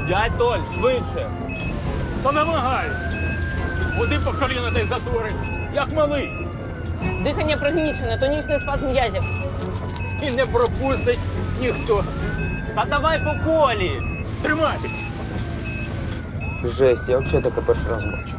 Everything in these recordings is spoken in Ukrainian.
Дядь Толь, швидше! Та намагаюсь. Води по коліна та й затвори. Як малий. Дихання пригнічене, тонічний спазм м'язів. І не пропустить ніхто. Та давай по колі! Тримайтесь. Жесть, я взагалі таке перший раз бачу.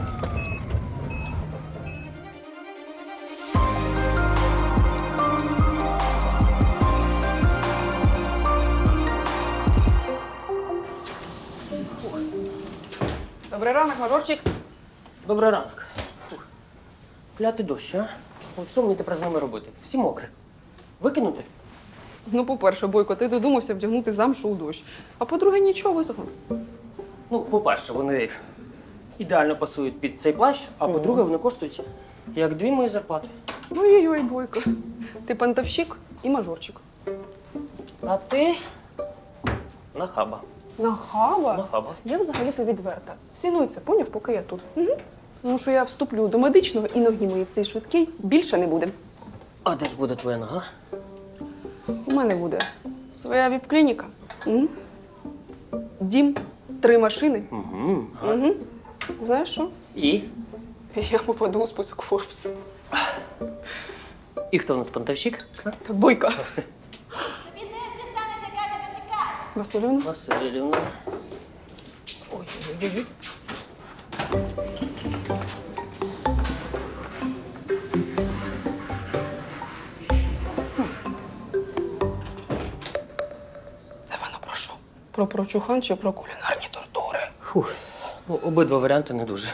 Добрий ранок, мажорчикс. Добрий ранок. Фух. Клятий дощ, а? От що мені тепер з ними робити? Всі мокрі. Викинути? Ну, по-перше, Бойко, ти додумався вдягнути замшу у дощ. А по-друге, нічого висохло. Ну, по-перше, вони ідеально пасують під цей плащ, а по-друге, вони коштують як 2 мої зарплати. Ой-ой-ой, Бойко. Ти пантовщик і мажорчик. А ти нахаба. Нахаба? Нахаба. Я взагалі-то відверта. Ціную це, поняв, поки я тут. Угу. Тому що я вступлю до медичного і ноги мої в цей швидкий більше не буде. А де ж буде твоя нога? У мене буде своя віп-клініка. Угу. Дім, 3 машини. Угу. Угу. Знаєш що? І? Я попаду у список Форбс. І хто в нас пантовщик? Та Бойко. Василівна? Василівна. Ой-ой-ой. Це вона про що? Про прочухан чи про кулінарні тортури? Фух. Ну, обидва варіанти не дуже.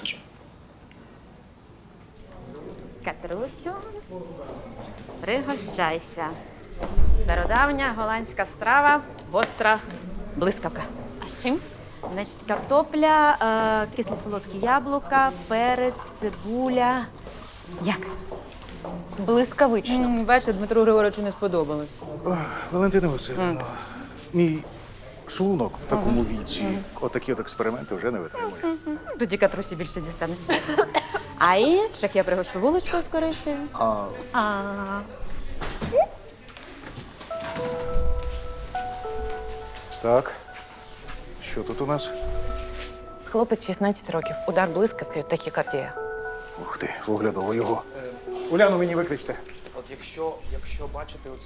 Катрусю, пригощайся. Стародавня голландська страва, гостра блискавка. А з чим? Значить, картопля, кисло-солодкі яблука, перець, цибуля. Як? Блискавично. Бачите, Дмитру Григоровичу не сподобалось. Валентина Васильівна, мій шлунок в такому віці отакі от експерименти вже не витримує. Тоді Катрусі більше дістанеться. А інших я пригощу булочкою з корицею. А. Так, що тут у нас? Хлопець 16 років. Удар блискавки, тахікардія. Ух ти, огляdoво його. Уляну мені викличте. От якщо бачити